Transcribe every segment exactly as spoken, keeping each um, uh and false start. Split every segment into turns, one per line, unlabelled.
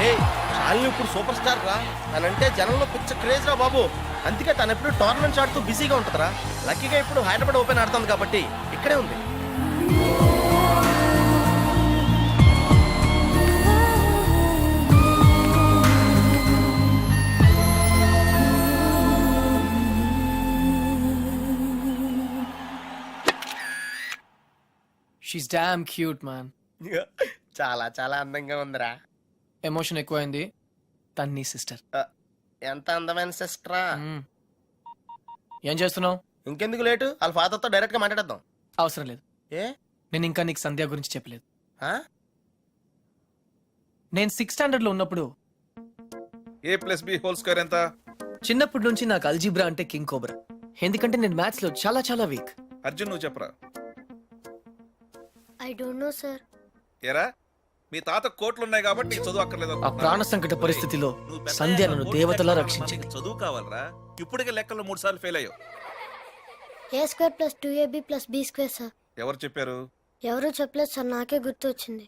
ఏ శాలిని ఇప్పుడు super star రా, తనంటే జనంలో పిచ్చ క్రేజ్ రా బాబు. అందుకే తను ఎప్పుడు టోర్నమెంట్స్ ఆడుతూ బిజీగా ఉంటుందిరా. లక్కీగా ఇప్పుడు హైదరాబాద్ ఓపెన్ ఆడుతుంది కాబట్టి ఇక్కడే ఉంది.
She's damn cute man.
చాలా చాలా అందంగా ఉందిరా.
ఎమోషన్ ఎక్కువైంది. తన్ని సిస్టర్.
ఎంత అందమైన సిస్టరా.
ఏం చేస్తున్నావు?
ఇంకెందుకు లేటు, వాళ్ళ ఫాదర్తో డైరెక్ట్ గా మాట్లాడేద్దాం.
అవసరం లేదు.
ఏ
నేను ఇంకా నీకు సంధ్య గురించి చెప్పలేదు.
ఆ?
నేను సిక్స్ స్టాండర్డ్ లో ఉన్నప్పుడు
A plus B whole square ఎంత?
చిన్నప్పటి నుంచి నాకు అల్జీబ్రా అంటే కింగ్ కోబ్రా. ఎందుకంటే నేను మ్యాథ్స్ లో చాలా చాలా వీక్.
అర్జున్ నువ్వు చెప్పరా.
I don't know sir.
ఏరా మీ తాత కోట్లు ఉన్నాయి కాబట్టి నీకు చదువు అక్కర్లేదు.
ఆ ప్రాణ సంకట పరిస్థితిలో సంధ్య నన్ను దేవతలా రక్షించింది.
చదువు కావాలరా, ఇప్పటికే లెక్కల్లో మూడు సార్లు ఫెయిల్ అయ్యావు.
A square plus two AB plus B square sir.
ఎవరు చెప్పారు?
ఎవరు చెప్పలేదు సార్, నాకే గుర్తు వచ్చింది.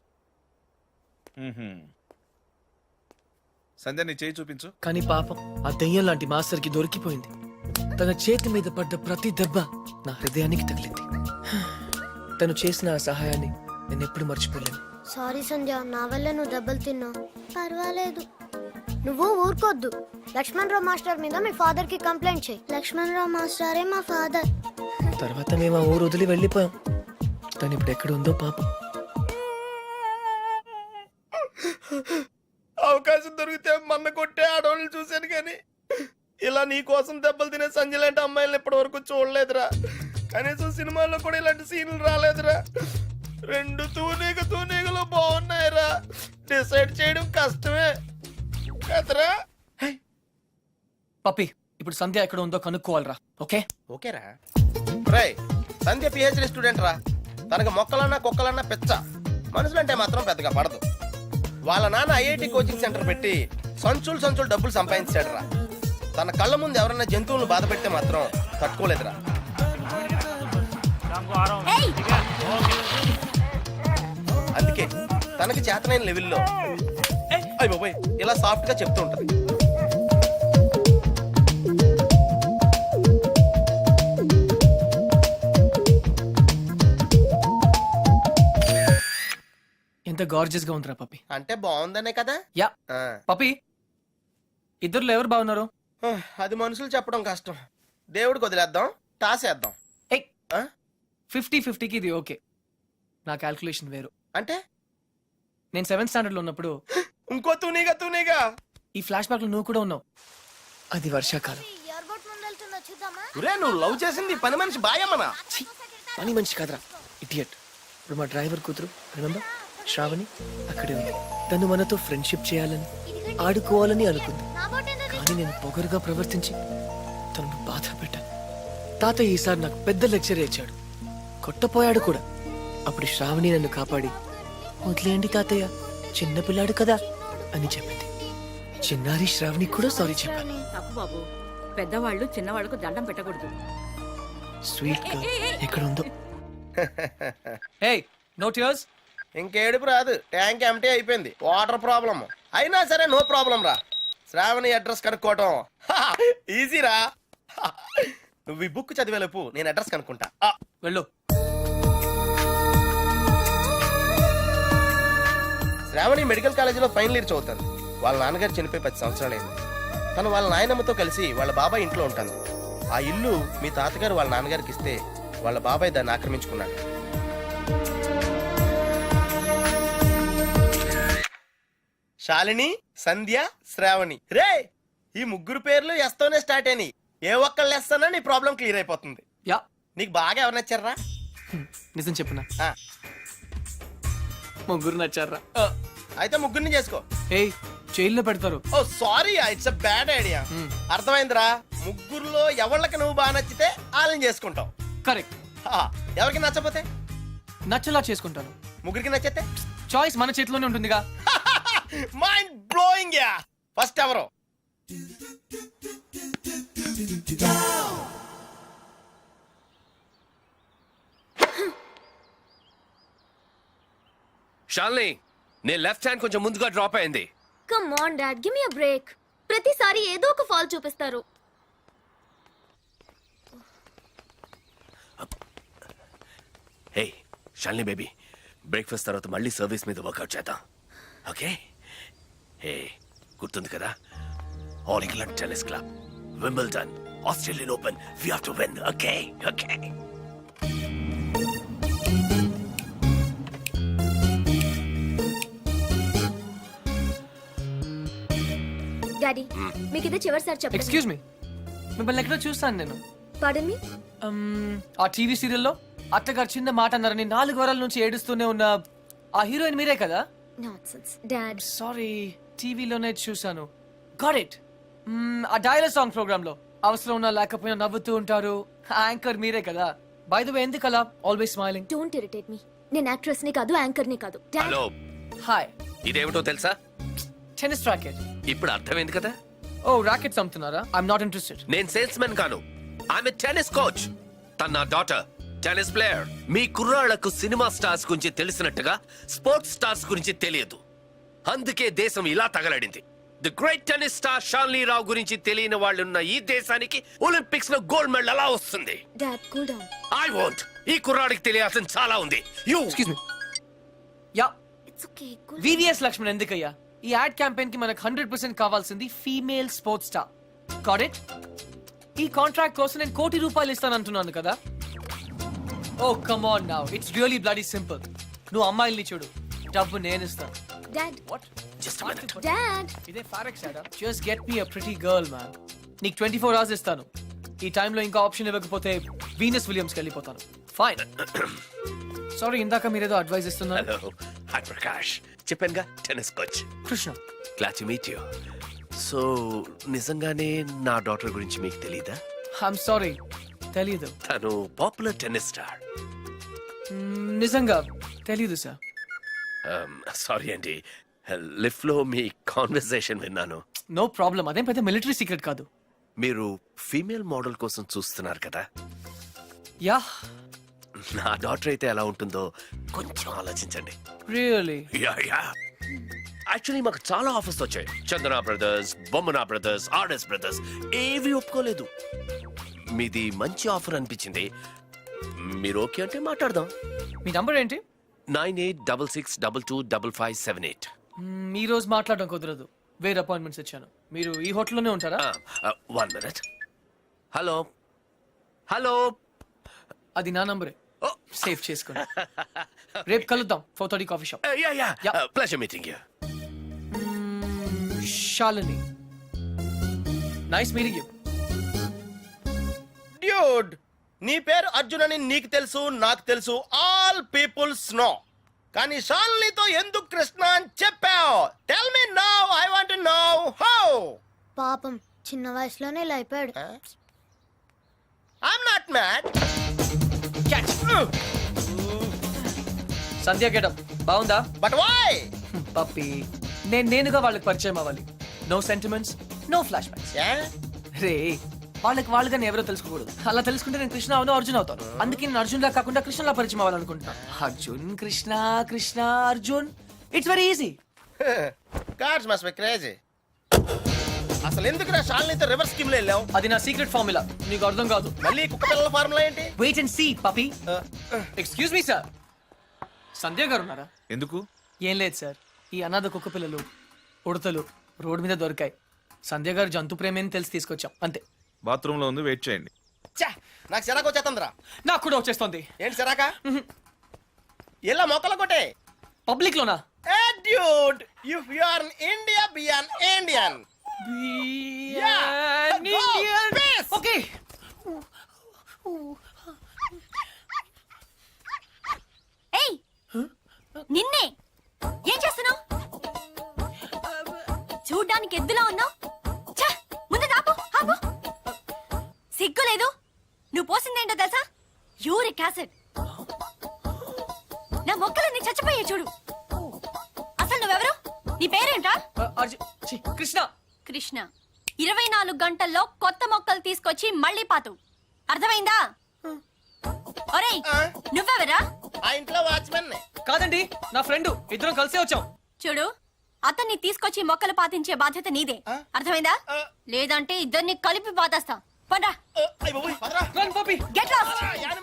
సంధ్య నీ చేయి చూపించు.
కానీ పాపం ఆ దెయ్యం లాంటి మాస్టర్ కి దొరికిపోయింది. తన చేతి మీద పడ్డ ప్రతి దెబ్బ నా హృదయానికి తగిలింది. తను చేసిన ఆ సహాయాన్ని నేను ఎప్పుడు మర్చిపోలేను.
సారీ సంధ్య, నా వల్ల నువ్వు దెబ్బలు తిన్నావు. పర్వాలేదు, నువ్వు ఊరుకోద్దు. లక్ష్మణ్ రావు మాస్టర్ మీద మీ ఫాదర్ కి కంప్లైంట్ చేయి. లక్ష్మణ్ రావు మాస్టరే మా ఫాదర్.
తర్వాత మేము ఆ ఊరు వదిలి వెళ్ళిపోయాం. తను ఇప్పుడు ఎక్కడ ఉందో పాపం.
అవకాశం దొరికితే మన్న కొట్టే ఆడవాళ్ళని చూశాను కానీ ఇలా నీ కోసం దెబ్బలు తినే సంజయ్ లాంటి అమ్మాయిలను ఇప్పటి వరకు చూడలేదురా. కనీసం సినిమాల్లో కూడా ఇలాంటి సీన్లు రాలేదురా. రెండు తూనీగ తూనీగలు బాగున్నాయిరా. డిసైడ్ చేయడం కష్టమే కదరా.
పప్పి, ఇప్పుడు సంధ్య ఎక్కడ ఉందో కనుక్కోవాలరా. ఓకే
ఓకేరా. రై, సంధ్య పిహెచ్డి స్టూడెంట్ రా. తనకు మొక్కలన్నా కుక్కలన్నా పెచ్చ. మనుషులంటే మాత్రం పెద్దగా పడదు. వాళ్ళ నాన్న ఐఐటి కోచింగ్ సెంటర్ పెట్టి సంచులు సంచులు డబ్బులు సంపాదించాడు రా. తన కళ్ళ ముందు ఎవరన్నా జంతువులను బాధ పెడితే మాత్రం తట్టుకోలేదురా. అందుకే తనకి చేతనైన లెవెల్లో అయ్య బాబోయ్ ఇలా సాఫ్ట్ గా చెప్తూ ఉంటది.
ఎంత గార్జియస్ గా ఉందిరా పప్పి.
అంటే బాగుందనే కదా.
యా
ఆ.
పప్పి, ఇద్దరులో ఎవరు బాగున్నారు?
అది మనుషులు చెప్పడం కష్టం. దేవుడికి వదిలేద్దాం, టాసేద్దాం. ఆ?
ఫిఫ్టీ ఫిఫ్టీకి ఇది ఓకే. నా క్యాల్కులేషన్ వేరు.
అంటే
నేను సెవెంత్ స్టాండర్డ్ లో ఉన్నప్పుడు
ఇంకో తూనీగా తూనీగా
ఈ ఫ్లాష్ బ్యాక్ లో నువ్వు కూడా ఉన్నావు. అది వర్షాకాలం.
ఒరే, నువ్వు లవ్ చేసింది పని మనిషి బాయమ్మనా?
ఛీ, పని మనిషి కాదురా, ఇడియట్. ఇప్పుడు మా డ్రైవర్ కూతురు రిమెంబర్ శ్రావణి అక్కడే ఉంది. తను మనతో ఫ్రెండ్షిప్ చేయాలని ఆడుకోవాలని అనుకుంది. కానీ నేను పొగరుగా ప్రవర్తించి తనను బాధ పెట్టాను. తాతయ్య ఈసారి నాకు పెద్ద లెక్చర్ ఇచ్చాడు. కొట్టపోయాడు కూడా. అప్పుడు శ్రావణి నన్ను కాపాడి వదిలేయండి తాతయ్య, చిన్నపిల్లాడు కదా అని చెప్పింది. చిన్నారి శ్రావణి కూడా సారీ చెప్పాను.
తప్పు బాబు, పెద్దవాళ్ళు చిన్నవాళ్ళకు దండం పెట్టకూడదు.
స్వీట్ గా ఎక్కడ ఉందో. హే, నో టియర్స్.
ఇంకేడుపు రాదు, ట్యాంక్ ఎంటీ అయిపోయింది. వాటర్ ప్రాబ్లం అయినా సరే నో ప్రాబ్లం రా. శ్రావణి అడ్రస్ కనుక్కోవటం ఈజీరా. నువ్వు ఈ బుక్ చదివేలోపు నేను అడ్రస్ కనుక్కుంటా. ఆ,
వెళ్ళు.
శ్రావణి మెడికల్ కాలేజీలో ఫైనల్ ఇయర్ చదువుతాను. వాళ్ళ నాన్నగారు చనిపోయి పది సంవత్సరాలైంది. తను వాళ్ళ నాయనమ్మతో కలిసి వాళ్ళ బాబాయ్ ఇంట్లో ఉంటాను. ఆ ఇల్లు మీ తాతగారు వాళ్ళ నాన్నగారికి ఇస్తే వాళ్ళ బాబాయ్ దాన్ని ఆక్రమించుకున్నాడు. శాలిని, సంధ్య, శ్రావణి. రే, ఈ ముగ్గురు పేర్లు ఎస్తోనే స్టార్ట్ అయినాయి. ఏ ఒక్కళ్ళు వేస్తానో నీ ప్రాబ్లం క్లియర్ అయిపోతుంది.
యా,
నీకు బాగా ఎవరు నచ్చారా?
నిజం చెప్పునా,
ఆ,
ముగ్గురు నచ్చారా?
అయితే ముగ్గురిని చేసుకో.
ఏయ్, జైల్లో పెడతారు.
Oh sorry, it's a bad idea. అర్థమైందిరా. ముగ్గురులో ఎవళ్ళకి నువ్వు బాగా నచ్చితే వాళ్ళని చేసుకుంటావు.
కరెక్ట్.
హా, ఎవరికి నచ్చపోతే
నచ్చలా చేసుకుంటాను.
ముగ్గురికి నచ్చితే
చాయిస్ మన చేతిలోనే ఉంటుందిగా.
Mind blowing yeah. ఫస్ట్ ఎవరు?
షాల్ని, నీ లెఫ్ట్ హ్యాండ్ కొంచెం ముందుగా డ్రాప్ అయింది. Come on dad give me a break. ప్రతిసారి ఏదో ఒక ఫాల్ చూపిస్తారు.
హే షాలిని బేబీ, బ్రేక్ఫాస్ట్ తర్వాత మళ్ళీ సర్వీస్ మీద వర్కౌట్ చేద్దాం, ఓకే? హే గుర్తుంది కదా, all England tennis club, Wimbledon, Australian open, we have to win, okay? Okay.
Daddy మీకు ఇదే చివరిసారి చెప్పండి.
ఎక్స్క్యూజ్ మీ, మిమ్మల్ని ఎక్కడో చూస్తాను నేను.
పాడన్ మీ.
Um, ఆ టీవీ సీరియల్లో అత్తగారు చిన్న మాట అన్నారని నాలుగు వారాల నుంచి ఏడుస్తూనే ఉన్న ఆ హీరోయిన్ మీరే కదా?
Nonsense dad.
సారీ, టీవీలోనే చూసాను. Got it. ఆ డైలాగ్ సాంగ్ ప్రోగ్రామ్ లో అవసరం ఉన్నా లేకపోయినా నవ్వుతూ ఉంటారు, యాంకర్ మీరే కదా? బై ద వే, ఎందుకు అలా always smiling?
Don't irritate me. నేను యాక్ట్రెస్ ని కాదు, యాంకర్ ని కాదు. Dad
hello,
hi.
ఇదేమిటో తెలుసా?
Tennis racket.
ఇప్పుడు అర్థమైంది కదా.
ఓ రాకెట్స్ అమ్ముతున్నారా? I'm not interested.
నేను సేల్స్ మెన్ కాను, ఆమె టెన్నిస్ కోచ్. తన నా డాటర్ టెన్నిస్ ప్లేయర్.
మీ కుర్రాళ్లకు సినిమా స్టార్స్ గురించి తెలిసినట్టుగా స్పోర్ట్స్ స్టార్స్ గురించి తెలియదు, అందుకే దేశం ఇలా తగలడింది. The great tennis star Shalini Rao గురించి తెలియని వాళ్ళున్న ఈ దేశానికి ఒలింపిక్స్ లో గోల్డ్ మెడల్ ఎలా వస్తుంది?
Dad cool down.
I want. ఈ కుర్రాడికి తెలియాల్సిన చాలా ఉంది. You excuse me. Yeah,
it's okay. Cool.
VVS Laxman ఎందుకయ్యా? ఈ యాడ్ క్యాంపెయిన్ కి మనకు హండ్రెడ్ పర్సెంట్ కావాల్సింది female sports star. Got it? ఈ కాంట్రాక్ట్ కోసం నేను కోటి రూపాయలు ఇస్తాను అంటున్నాను కదా. Oh come on now, it's really bloody simple. నువ్వు అమ్మాయిల్ని చూడు, డబ్బు నేను ఇస్తాను.
Dad
what? జస్ట్
డాడ్
ఇదే ఫారెక్స్ యాడా? జస్ట్ గెట్ మీ అ ప్రిటీ గర్ల్ మ్యాన్. నీకు ట్వంటీ ఫోర్ అవర్స్ ఇస్తాను. ఈ టైంలో ఇంకా ఆప్షన్ ఇవ్వకపోతే వీనస్ విలియమ్స్కి వెళ్ళిపోతాను. ఫైన్. సారీ, ఇందాక మీరేదో అడ్వైస్ ఇస్తున్నారు.
Hello, hi Prakash. చెప్పానుగా, tennis coach.
Krishna.
Glad to meet you. So నిజంగానే నా డాటర్ గురించి మీకు తెలీదా?
ఐఎమ్ సారీ, తెలీదు.
తను పాపులర్ టెన్నిస్ స్టార్.
మ్మ్, నిజంగా తెలీదు సార్.
సారీ అండి, లిఫ్ట్ లో మీ కాన్వర్సేషన్ విన్నాను.
నో ప్రాబ్లం, అదేం పెద్ద మిలిటరీ సీక్రెట్ కాదు.
మీరు ఫీమేల్ మోడల్ కోసం చూస్తున్నారు కదా.
యా,
నా డాటర్ అయితే ఎలా ఉంటుందో కొంచెం ఆలోచించండి.
రియల్లీ?
యా యా యాక్చువల్లీ మాకు చాలా ఆఫర్స్ వచ్చాయి. Chandana brothers, Bommana brothers, RS brothers ఏవి ఒప్పుకోలేదు. మీది మంచి ఆఫర్ అనిపించింది. మీరు ఓకే అంటే మాట్లాడదాం.
మీ నంబర్ ఏంటి?
Nine eight double six double two double five seven eight.
మ్మ్, ఈ రోజు మాట్లాడడం కుదరదు, వేరే అపాయింట్మెంట్స్ ఇచ్చాను. మీరు ఈ హోటల్లోనే ఉంటారా?
One minute. Hello hello.
అది నా నంబరే, సేవ్ చేసుకోండి. రేపు కలుద్దాం, four thirty coffee shop.
Yeah yeah
Yeah.
Pleasure meeting you.
Shalini, nice meeting you.
Dude, నీ పేరు అర్జున్ అని నీకు తెలుసు, నాకు తెలుసు, ఆల్ పీపుల్స్ నో. కానీ షాలినితో ఎందుకు కృష్ణ అని చెప్పావు? Tell me now, I want to know how.
పాపం చిన్న వయసులోనే ఇలా అయిపోయాడు.
I'm not mad.
Sandhya getup బాగుందా?
But why?
పప్పి, నేను నేనుగా వాళ్ళకి పరిచయం అవ్వాలి. No sentiments, no flashbacks. రే, వాళ్ళకి వాళ్ళుగా నేను ఎవరో తెలుసుకోకూడదు. అలా తెలుసుకుంటే నేను కృష్ణ అవును, అర్జున్ అవుతాను. అందుకే నేను అర్జున్ లా కాకుండా కృష్ణలా పరిచయం అవ్వాలనుకుంటున్నాను. Arjun Krishna, Krishna Arjun, it's very easy.
Cards must be crazy. అసలు ఎందుకు నా షాలినితో రివర్స్ స్కీమ్ లో వెళ్ళావు?
అది నా సీక్రెట్ ఫార్ములా, నీకు అర్థం కాదు.
మళ్ళీ కుక్క పిల్లల ఫార్ములా ఏంటి?
Wait and see puppy. Excuse me sir, Sandhya గారు ఉన్నారా?
ఎందుకు?
ఏం లేదు సార్, ఈ అనాథ కుక్క పిల్లలు ఉడతలు రోడ్డు మీద దొరికాయి. సంధ్య గారు జంతు ప్రేమని తెలిసి తీసుకొచ్చాం, అంతే.
బాత్రూమ్ లో ఉంది, వెయిట్ చేయండి.
ఛే, నాకు సిరాకు వచ్చేస్తుందిరా.
నాకు కూడా వచ్చేస్తుంది.
ఏంటి సిరాక? ఇలా మొక్కలు కొట్టే.
పబ్లిక్ లోనా?
Hey dude, if you are in India, be an Indian. Yeah, go, peace.
Okay.
ఏయ్ నిన్నే ఏం చేస్తున్నావు? చూడ్డానికి ఎద్దులా ఉన్నావు. ముందు ఆపు ఆపు. సిగ్గు లేదు. నువ్వు పోసిందేంటో తెలుసా? Uric acid. నా మొక్కలన్నీ చచ్చిపోయాయి చూడు. అసలు నువ్వెవరు? నీ పేరేంట్రా?
అర్జున్, ఛీ, కృష్ణ.
కృష్ణ. ఇరవై నాలుగు గంటల్లో కొత్త మొక్కలు తీసుకొచ్చి మళ్ళీ పాతు. అర్థమైందా? ఒరేయ్, నువ్వెవరా?
ఆ ఇంట్లో వాచ్మెన్.
కాదండి, నా ఫ్రెండ్. ఇద్దరం కలిసే వచ్చాం.
చూడు, అతన్ని తీసుకొచ్చి మొక్కలు పాతించే బాధ్యత నీదే అర్థమైందా లేదంటే ఇద్దరిని కలిపి పాతేస్తా పండ్రా గెట్ లాస్ట్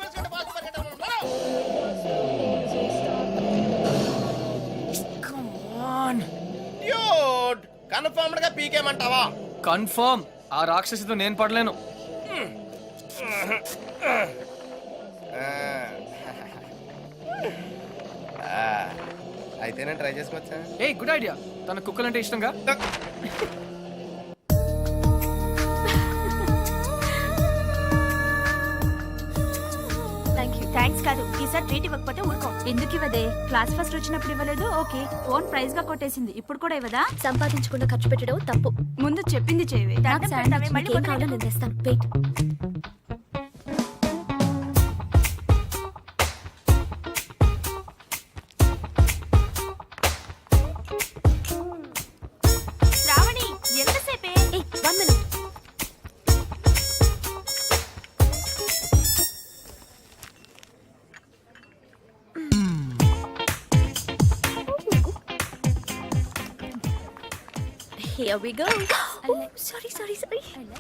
కన్ఫర్మ్డ్ గా పీకేమంటావా?
కన్ఫర్మ్ ఆ రాక్షసితో నేను పడలేను.
అయితే నేను ట్రై చేసుకోవచ్చా?
A good idea. తన కుక్కలంటే ఇష్టంగా.
థ్యాంక్ యూ థ్యాంక్స్ కాదు ఈసారి ట్రీట్ ఇవ్వకపోతే ఊరుకో ఎందుకు ఇవ్వదే క్లాస్ ఫస్ట్ వచ్చినప్పుడు ఇవ్వలేదు ఓకే ఫోన్ ప్రైజ్ గా కొట్టేసింది ఇప్పుడు కూడా ఇవ్వదా
సంపాదించకుండా ఖర్చు పెట్టడం తప్పు.
ముందు చెప్పింది చేయవే
నాకు శాండ్విచ్ నీకేం కావాలో నేను తెస్తాను. వెయిట్.
శ్రావణి ఎంతసేపే
ఏయ్ one minute. Here we go. Oh, sorry, sorry, sorry.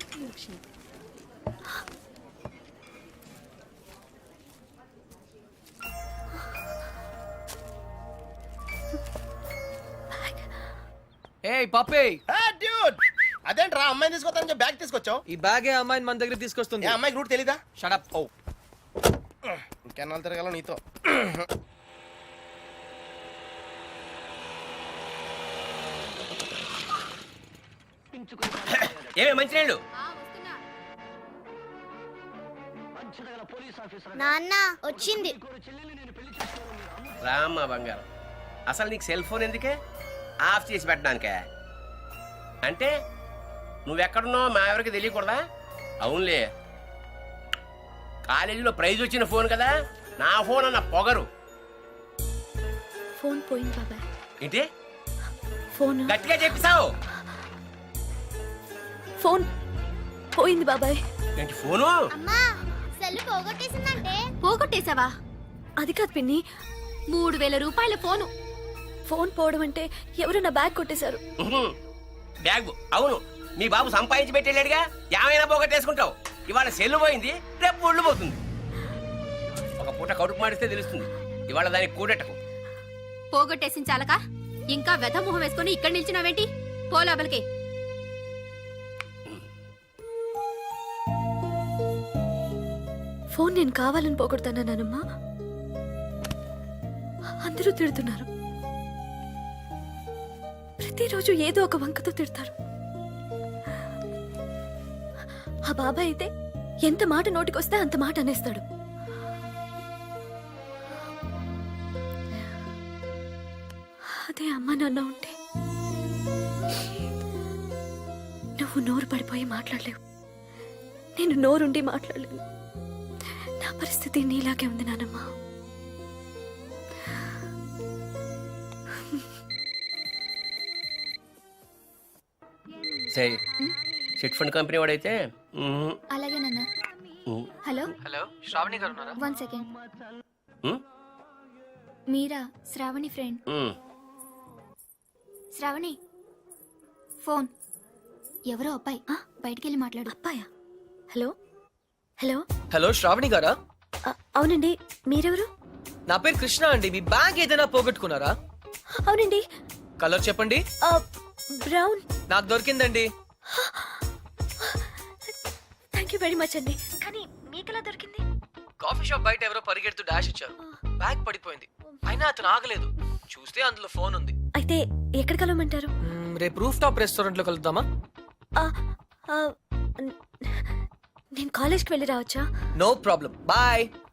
ఏ పప్పే,
డ్యూడ్ అదేంట్రా అమ్మాయిని తీసుకొస్తానని చెప్పి బ్యాగ్ తీసుకొచ్చావు?
ఈ బ్యాగే అమ్మాయిని మన దగ్గర తీసుకొస్తుంది.
ఏ అమ్మాయికి రూట్ తెలీదా?
షడప్.
ఓ ఇంకెన్నాళ్ళు తిరగాల నీతో?
ఏమే మంచినీళ్ళు?
నాన్న వచ్చింది.
రామ్మ బంగారం, అసలు నీకు సెల్ ఫోన్ ఎందుకే? ఆఫ్ చేసి పెట్టడానికే? అంటే నువ్వెక్కడున్నావు మా ఎవరికి తెలియకూడదా? అవునులే, కాలేజీలో ప్రైజ్ వచ్చిన ఫోన్ కదా, నా ఫోన్ అన్న పొగరు.
ఫోన్ పోయింది బాబాయ్.
ఏంటి
ఫోన్
గట్టిగా చెప్పిసావు?
ఫోన్ పోయింది బాబాయ్.
ఏంటి ఫోను?
అమ్మా సెల్ పోగొట్టేసిందంటే.
పోగొట్టేశావా
అది కాదు పిన్ని,
మూడు వేల రూపాయల ఫోను
ఫోన్ పోవడం అంటే ఎవరు నా బ్యాగ్ కొట్టేశారు.
ఉహుం. బ్యాగ్ అవును, మీ బాబు సంపాదించి పెట్టేళ్ళాడుగా, ఏమైనా పోగొట్టేసుకుంటావు. ఇవాళ సెల్లు పోయింది, రేపు ఒళ్ళు పోతుంది. ఒక పూట కడుపు మాడిస్తే తెలుస్తుంది, ఇవాళ దానికి కూడెట్టకు.
పోగొట్టేసిన చాలక ఇంకా వెధ మొహం వేసుకుని ఇక్కడ నిల్చున్నావేంటి? పో లోపలికి.
ఫోన్ నేను కావాలని పోగొడతానమ్మా. అందరూ తిడుతున్నారు. ప్రతిరోజు ఏదో ఒక వంకతో తిడతారు. ఆ బాబాయ్ అయితే ఎంత మాట నోటికొస్తే అంత మాట అనేస్తాడు. అదే అమ్మ నాన్న ఉంటే నువ్వు నోరు పడిపోయి మాట్లాడలేవు, నేను నోరుండి మాట్లాడలేను. నా పరిస్థితి నీలాగే ఉంది నానమ్మ.
సరే, చిట్ ఫండ్ కంపెనీ వాడైతే ఉహుం.
అలాగే నాన్న.
ఉహుం.
హలో
హలో, శ్రావణి గారు ఉన్నారా?
One second.
ఉహుం.
మీరా శ్రావణి ఫ్రెండ్?
ఉహుం.
శ్రావణి ఫోన్. ఎవరో అబ్బాయి బయటికి వెళ్ళి మాట్లాడు. అబ్బాయా? Hello hello.
హలో శ్రావణి గారా?
అ- అవునండి, మీరెవరు?
నా పేరు కృష్ణ అండి. మీ బ్యాగ్ ఏదైనా పోగొట్టుకున్నారా?
అవునండి.
కలర్ చెప్పండి.
ఆ, బ్రౌన్.
నాకు దొరికిందండి.
థ్యాంక్ యూ వెరీ మచ్ అండి. కానీ మీకెలా దొరికింది?
కాఫీ షాప్ బయట ఎవరో పరిగెడుతూ డాష్ ఇచ్చారు, బ్యాగ్ పడిపోయింది. అయినా అతను ఆగలేదు, చూస్తే అందులో ఫోన్ ఉంది.
అయితే ఎక్కడ కలవమంటారు?
మ్మ్, రేపు రూఫ్ టాప్ రెస్టారెంట్ లో కలుద్దామా?
ఆ, ఆ, న- నేను కాలేజ్కి వెళ్ళి రావచ్చా?
No problem, bye.